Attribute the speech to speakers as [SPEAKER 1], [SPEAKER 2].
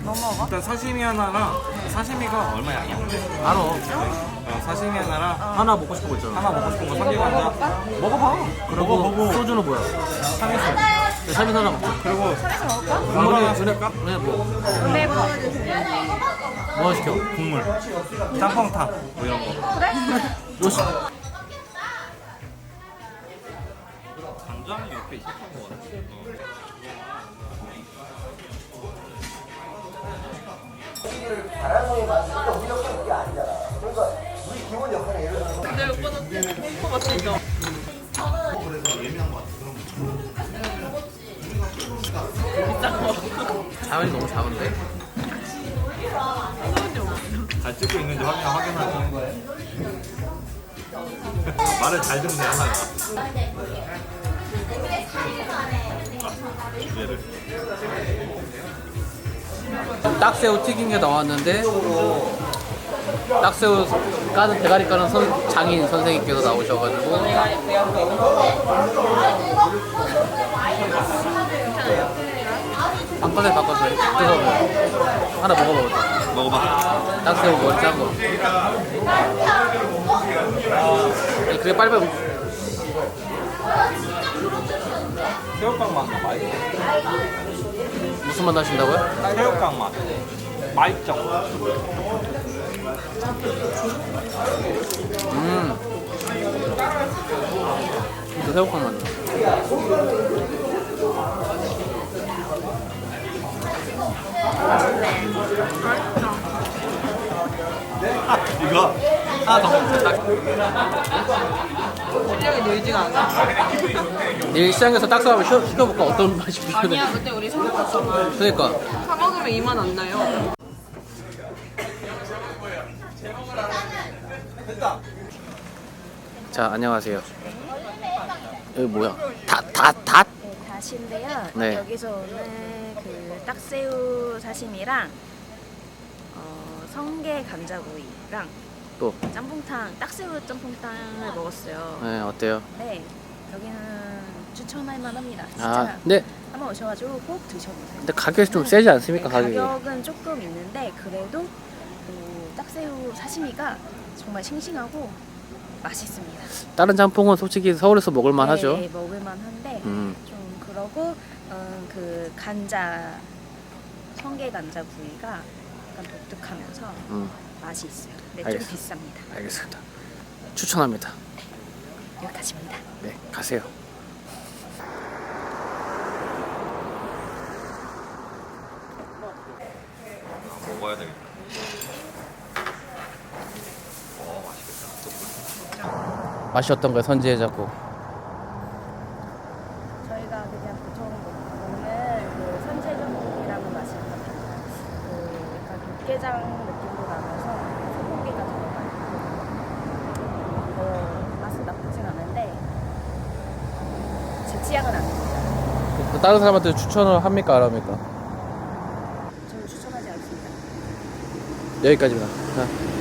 [SPEAKER 1] 뭐 먹어?
[SPEAKER 2] 일단 사시미 하나랑 사시미가 얼마야?
[SPEAKER 3] 알아.
[SPEAKER 2] 사시미 하나랑
[SPEAKER 3] 하나 먹고 싶은 거 있잖아.
[SPEAKER 2] 하나 먹고 싶은 거 삼계관자
[SPEAKER 3] 먹어봐. 그리고
[SPEAKER 2] 먹어보고.
[SPEAKER 3] 소주는 뭐야?
[SPEAKER 2] 삼계수
[SPEAKER 3] 삼이 하나 먹자.
[SPEAKER 2] 그리고
[SPEAKER 1] 삼에서 먹을까?
[SPEAKER 2] 국물 하나 시킬까?
[SPEAKER 3] 네, 뭐.
[SPEAKER 1] 은혜버.
[SPEAKER 3] 뭐 시켜?
[SPEAKER 2] 국물 짬뽕탕 뭐 이런 거
[SPEAKER 1] 그래?
[SPEAKER 3] 뭐 시켜?
[SPEAKER 2] 간장이 옆에 있었던 거 같아
[SPEAKER 1] 근데 오빠는 햄버 같으니까.
[SPEAKER 3] 자연이 너무 작은데?
[SPEAKER 2] 잘 찍고 있는지 확인하지 말을 잘 듣네 하나가 얘를
[SPEAKER 3] 딱새우 튀긴 게 나왔는데 딱새우 까는 대가리 까는 장인 선생님께서 나오셔가지고 바꿔서 뜯어서 하나 먹어보자.
[SPEAKER 2] 먹어봐
[SPEAKER 3] 딱새우 머리 짠 거. 그게 빨리빨리 먹.
[SPEAKER 2] 새우깡 맛 나 맛있어
[SPEAKER 3] 무슨 맛 나신다고요?
[SPEAKER 2] 새우깡 맛 맛있죠
[SPEAKER 3] 또 새우깡 맛 나.
[SPEAKER 2] 이거 하나 더 먹자
[SPEAKER 1] 실력이 늘지가 않아.
[SPEAKER 3] 내일 시장에서 딱새우 한번 시켜볼까? 어떤 맛이 비슷해?
[SPEAKER 1] 아니야, 그때 우리 사 먹었잖아.
[SPEAKER 3] 그러니까
[SPEAKER 1] 사 먹으면 2만 안 나요.
[SPEAKER 3] 자 안녕하세요. 여기 뭐야? 닷?
[SPEAKER 4] 네, 다시인데요.
[SPEAKER 3] 네.
[SPEAKER 4] 여기서 오늘 그 딱새우 사시미랑 성게 감자구이랑
[SPEAKER 3] 또
[SPEAKER 4] 짬뽕탕, 딱새우 짬뽕탕을 먹었어요.
[SPEAKER 3] 네, 어때요?
[SPEAKER 4] 네, 여기는 추천할 만합니다. 진짜
[SPEAKER 3] 아 근데
[SPEAKER 4] 한번 오셔가지고 꼭 드셔보세요.
[SPEAKER 3] 가격이 좀 세지 않습니까?
[SPEAKER 4] 네,
[SPEAKER 3] 가격이?
[SPEAKER 4] 가격은 조금 있는데 그래도 그 딱새우 사시미가 정말 싱싱하고 맛있습니다.
[SPEAKER 3] 다른 짬뽕은 솔직히 서울에서 먹을만 하죠.
[SPEAKER 4] 네, 먹을만한데
[SPEAKER 3] 음.
[SPEAKER 4] 좀 그러고 그 간자 성게 간자 구이가 약간 독특하면서 맛이 있어요. 근데 좀
[SPEAKER 3] 알겠습니다.
[SPEAKER 4] 비쌉니다.
[SPEAKER 3] 알겠습니다. 추천합니다.
[SPEAKER 4] 여기까지입니다.
[SPEAKER 3] 네, 가세요.
[SPEAKER 2] 먹어야 되겠다 맛있겠다
[SPEAKER 3] 맛이 어떤가요, 선지해 잡고?
[SPEAKER 4] 저희가 그냥 보통 먹는 그 선제전국이라는 맛이 같아요. 그 약간 육개장 느낌도 나면서 소고기가 들어가 있고 맛은 나쁘진 않은데 제 취향은 아닙니다.
[SPEAKER 3] 그 다른 사람한테 추천을 합니까, 안 합니까?
[SPEAKER 4] 저는 추천하지 않습니다.
[SPEAKER 3] 여기까지입니다. 자.